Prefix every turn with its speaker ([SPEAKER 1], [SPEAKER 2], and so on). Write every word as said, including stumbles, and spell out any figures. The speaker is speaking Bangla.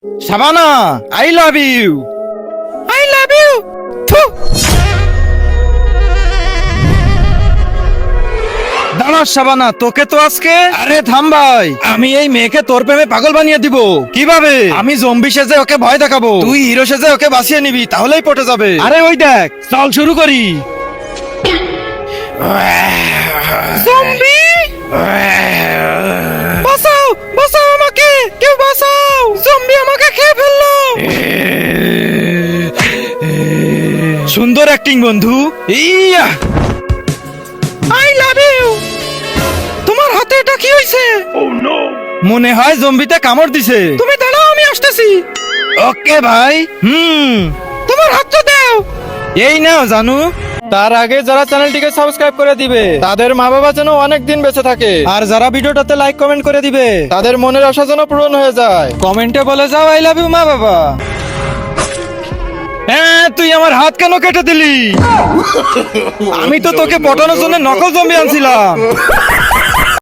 [SPEAKER 1] Shabana, I love you. I love you. দাঁড়া শাবানা, তোকে তো আজকে। আরে থাম ভাই, আমি এই মেয়েকে তোর প্রেমে পাগল বানিয়ে দিব। কিভাবে? আমি জম্বি সেজে ওকে ভয় দেখাবো, তুই হিরো সেজে ওকে বাঁচিয়ে নিবি, তাহলেই পটে যাবে। আরে ওই দেখ, চল শুরু করি। জম্বি, বাঁচাও বাঁচাও আমাকে, কেউ বাঁচাও, জম্বি আমাকে খেয়ে ফেললো। সুন্দর অ্যাক্টিং বন্ধু। Yeah, I love you. তোমার হাতে এটা কি হইছে? মনে হয় জম্বিতে কামড় দিছে। তুমি দাঁড়াও, আমি আসতেছি। ওকে ভাই। হুম, তোমার হাতটা দাও। এই নাও জানু। তার আগে যারা চ্যানেলটিকে সাবস্ক্রাইব করে দিবে তাদের মা বাবা যেন অনেক দিন বেঁচে থাকে, আর যারা ভিডিওটাতে লাইক কমেন্ট করে দিবে তাদের মনের আশা যেন পূরণ হয়ে যায়। কমেন্টে বলে যাও আই লাভ ইউ মা বাবা। হ্যাঁ, তুই আমার হাত কেন কেটে দিলি? আমি তো তোকে পটানোর জন্য নকল জম্বি আনছিলাম।